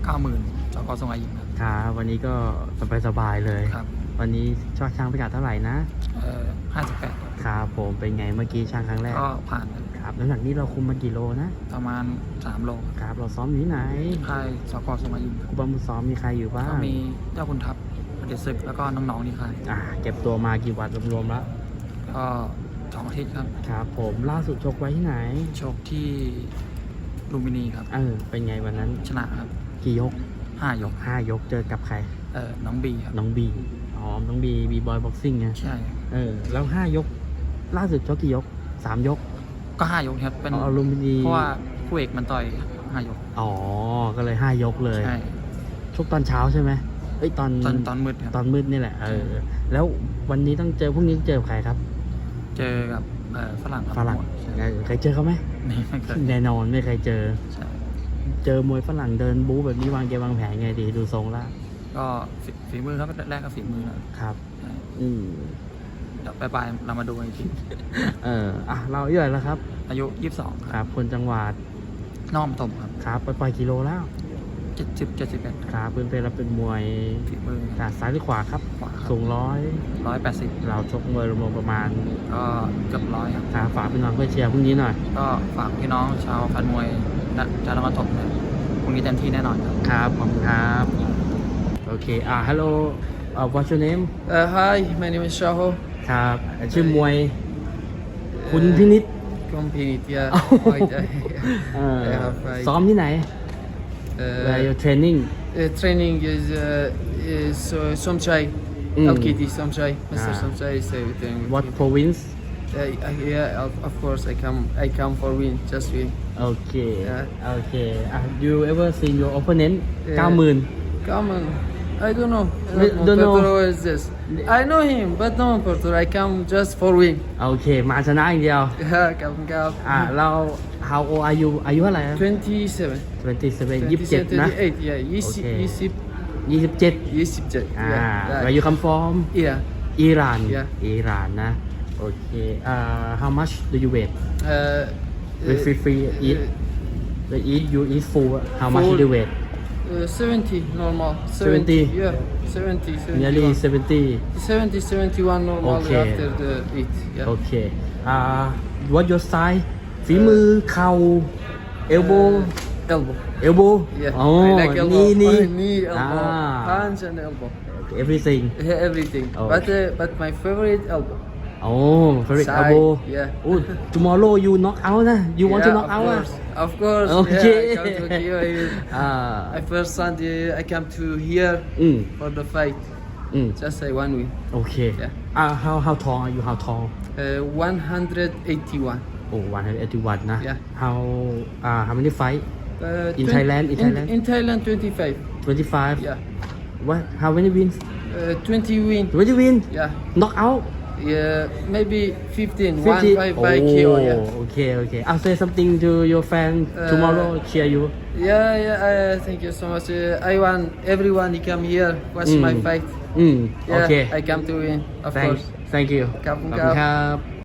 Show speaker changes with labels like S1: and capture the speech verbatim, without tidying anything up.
S1: เก้าหมื่นจกทรงอายิมครับ
S2: ครับวันนี้ก็สบายๆเลย
S1: ครับ
S2: วันนี้ชอบช่างพิกัดเท่าไหร่นะ
S1: เอ่อห้าสิบแปด
S2: ครับผมเป็นไงเมื่อกี้ช่างครั้งแรก
S1: ก็ผ่าน
S2: ครับน้ำหนักนี้เราคุมมากี่โลนะ
S1: ประมาณสามโล
S2: ครับเราซ้อมอยู่ที่ไหน
S1: ค่ายจกทรงอายิม
S2: ครูบามุซ้อมมีใครอยู่บ้าง
S1: ก็มีเจ้าคุณทัพเดชศึกแล้วก็น้องๆนี่ค่าย
S2: อ่าเก็บตัวมากี่วันรวมๆแล้ว
S1: ก็สองอาทิตย์ครับ
S2: ครับผมล่าสุดชกไว้ที่ไหน
S1: ชกที่ลุมพินีครับ
S2: เออเป็นไงวันนั้น
S1: ชนะครับ
S2: กี่ยก
S1: ห้ายก
S2: ห้ายกเจอกับใคร
S1: เออน้องบีครับ
S2: น้องบีอ๋อน้องบีบีบอยบ็อกซิ่งไง
S1: ใช่
S2: เออแล้วห้ายกล่าสุดชกกี่ยกสามยก
S1: ก็ห้ายกครับเป็น
S2: อลุมพินี
S1: เพราะว่าคู่เอกมันต่อยห้ายก
S2: อ๋อก็เลยห้ายกเลย
S1: ใช่
S2: ชกตอนเช้าใช่ไหมเอ้ยตอน
S1: ตอนตอนมืดครับ
S2: ตอนมืดนี่แหละเออแล้ววันนี้ต้องเจอพรุ่งนี้เจอใครครับ
S1: เจอกับเออฝรั่ง
S2: ฝรั่งเคยเจอเขาไหม
S1: ไม่เคย
S2: แน่นอนไม่เคยเจอ
S1: ใช่
S2: เจอมวยฝรั่งเดินบู๊แบบนี้วางเกมวางแผนไงดีดูทรงละ
S1: ก็ฝีมือครับแรกก็ฝีมือ
S2: ครับอืม
S1: เดี๋ยวไปๆเรามาดูอีกที
S2: เอออ่ะเราอายุเท่าไหร่แล้วครับ
S1: อายุยี่สิบสอง
S2: ครับคนจังหวัด
S1: น้อมตมครับ
S2: ครับไปปล่อยกิโลแล้ว
S1: เจ็ดสิบเจ็ดสิบเอ็ด
S2: ครับเป็นเป็นเราเป็นมวย
S1: ฝีมือ
S2: ขาซ้ายหรือขวาครับ
S1: ขวา
S2: สูงร้อย
S1: ร้อยแปดสิบ
S2: เราชกมวยรวมประมาณ
S1: ก็เกือบร้อยครับ
S2: ครับฝากพี่น้องเพื่อเชียร์พรุ่งนี้หน่อย
S1: ก็ฝากพี่น้องชาวแฟนมวยชาวนครปฐมเนี่ยพรุ่งนี้เต็มที่แน่นอนครับ
S2: ครับขอบคุณครับโอเคอ่า hello uh, what's your name
S3: uh, hi my name is Shaho
S2: ครับชื่อมวยคุณพินิจ
S3: คุณพินิจ yeah
S2: ซ้อมที่ไหน where you training
S3: training is is Somchai L K T Somchai Mister Somchai is everything
S2: what province
S3: yeah of course I come I come for win just win
S2: okay okay you ever seen your opponent เก้าหมื่น
S3: come on I don't know.
S2: I don't know.
S3: Portoro is this. I know him, but no Portoro. I come just for win.
S2: โอเคมาชนะอย่างเดียว
S3: ครับครับ
S2: อ่าเรา how old are you อายุเท่าไหร่
S3: twenty-seven
S2: twenty-seven ยี่สิบเจ็ดนะ
S3: twenty-eight yeah ยี่สิบยี่สิบ
S2: ยี่สิบเจ็ด
S3: ยี่สิบเจ็ด
S2: อ่า where you come from
S3: yeah
S2: อิหร่าน
S3: yeah
S2: อิหร่านนะโอเคอ่า how much do you weigh
S3: uh
S2: free free eat the eat you eat full how much do you weigh
S3: Uh, seventy normal.
S2: seventy
S3: Yeah, seventy.
S2: Nearly seventy.
S3: seventy, seventy-one normal
S2: okay.
S3: after the eat. Yeah.
S2: Okay. Uh, what your size? ฝีมือเข่า elbow.
S3: Uh, elbow.
S2: Elbow.
S3: Yeah.
S2: อ๋อ
S3: I like elbow.
S2: นี่นี่
S3: knee, elbow, punch and elbow.
S2: Everything.
S3: Yeah, everything.
S2: Okay.
S3: But uh, but my favorite elbow.
S2: Oh, favorite
S3: Side,
S2: elbow.
S3: Yeah.
S2: Oh, tomorrow you knock out นะ You want
S3: yeah,
S2: to knock
S3: of
S2: out
S3: course. Of course.
S2: Okay.
S3: Yeah, I come to Kyiv. I,
S2: Ah.
S3: I first Sunday I come to here
S2: อืม
S3: for the fight.
S2: อืม
S3: Just say one win.
S2: Okay.
S3: Yeah.
S2: Ah, how how tall are you? How tall?
S3: Uh, one hundred eighty-one.
S2: Oh, one hundred eighty-one นะ
S3: Yeah.
S2: How uh how many fight?
S3: Uh,
S2: In Thailand? In Thailand?
S3: In Thailand, twenty-five.
S2: twenty-five.
S3: Yeah.
S2: What? How many wins?
S3: Uh, twenty win.
S2: twenty win?
S3: Yeah.
S2: Knock out?
S3: Yeah, maybe fifteen.
S2: fifty?
S3: One by, by
S2: oh,
S3: K O. Yeah.
S2: Okay, okay. I'll say something to your fan
S3: Uh,
S2: tomorrow. Cheer you.
S3: Yeah, yeah. Uh, thank you so much. Uh, I want everyone to come here watch
S2: Mm.
S3: my fight.
S2: Mm.
S3: Yeah,
S2: Okay.
S3: I come to win, of
S2: Thank,
S3: course.
S2: thank you.
S3: ขอบคุณ
S2: ขอบ
S3: ค
S2: คุ
S3: รั
S2: ณ
S3: บ
S2: ครับ